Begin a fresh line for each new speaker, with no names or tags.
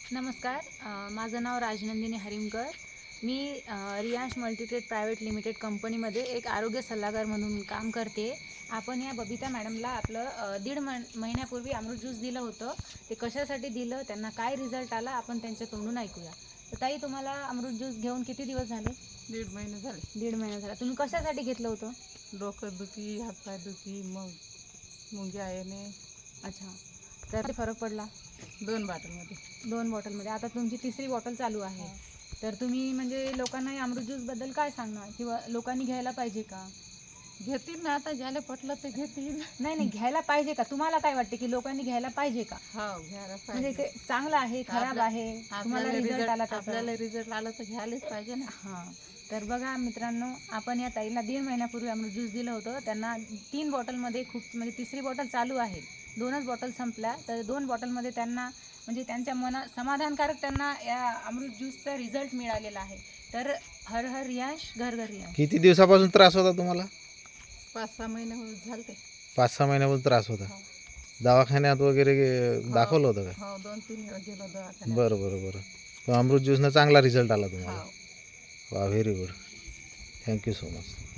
नमस्कार. माझं नाव राजनंदिनी हरिमकर. मी रियांश मल्टीट्रेड प्रायव्हेट लिमिटेड कंपनीमध्ये एक आरोग्य सल्लागार म्हणून काम करते. आपण या बबिता मॅडमला आपलं दीड महिन्यापूर्वी अमृत ज्यूस दिलं होतं. ते कशासाठी दिलं, त्यांना काय रिझल्ट आला, आपण त्यांच्या तोंडून ऐकूया. तर ताई, तुम्हाला अमृत ज्यूस घेऊन किती दिवस झाले?
1.5 महिने झाले.
1.5 महिना झाला. तुम्ही कशासाठी घेतलं होतं?
डोकं दुखी, हातपाय दुखी, मग मुंग्या येणे.
अच्छा. तर फरक पडला?
2 बॉटलमध्ये.
2 बॉटलमध्ये. आता तुमची 3री बॉटल चालू आहे. तर तुम्ही म्हणजे लोकांना या अमृत ज्यूसबद्दल काय सांगणार, किंवा लोकांनी घ्यायला पाहिजे का?
घेतील ना, आता ज्याला पटलं ते घेतील.
नाही, घ्यायला पाहिजे का? तुम्हाला काय वाटते की लोकांनी घ्यायला पाहिजे का?
हो, घ्यायला
म्हणजे
पाहिजे.
ते चांगलं आहे, खराब आहे, तुम्हाला रिझल्ट आला त्याचा?
आपल्याला रिझल्ट आला तर घ्यायलाच पाहिजे ना.
हां. तर बघा मित्रांनो, आपण या ताईला 1.5 महिन्यापूर्वी अमृत ज्यूस दिलं होतं. त्यांना 3 बॉटलमध्ये खूप, म्हणजे 3री बॉटल चालू आहे. 2च बॉटल संपल्या. तर 2 बॉटलमध्ये त्यांना म्हणजे त्यांच्या समाधानकारक त्यांना या अमृत ज्यूसचा रिझल्ट मिळालेला आहे. तर हर हर रियांश, घर घर रियांश.
किती दिवसापासून त्रास होता तुम्हाला?
5-6 महिने झालते.
5-6 महिन्यापासून त्रास होता.
हो.
दवाखान्यात वगैरे दाखवलं होतं का?
हो, 2-3 वेळा गेलो दवाखान्यात.
बरं. तो अमृत ज्यूसनं चांगला रिझल्ट आला तुम्हाला.
हो.
वा, very good. Thank you so much.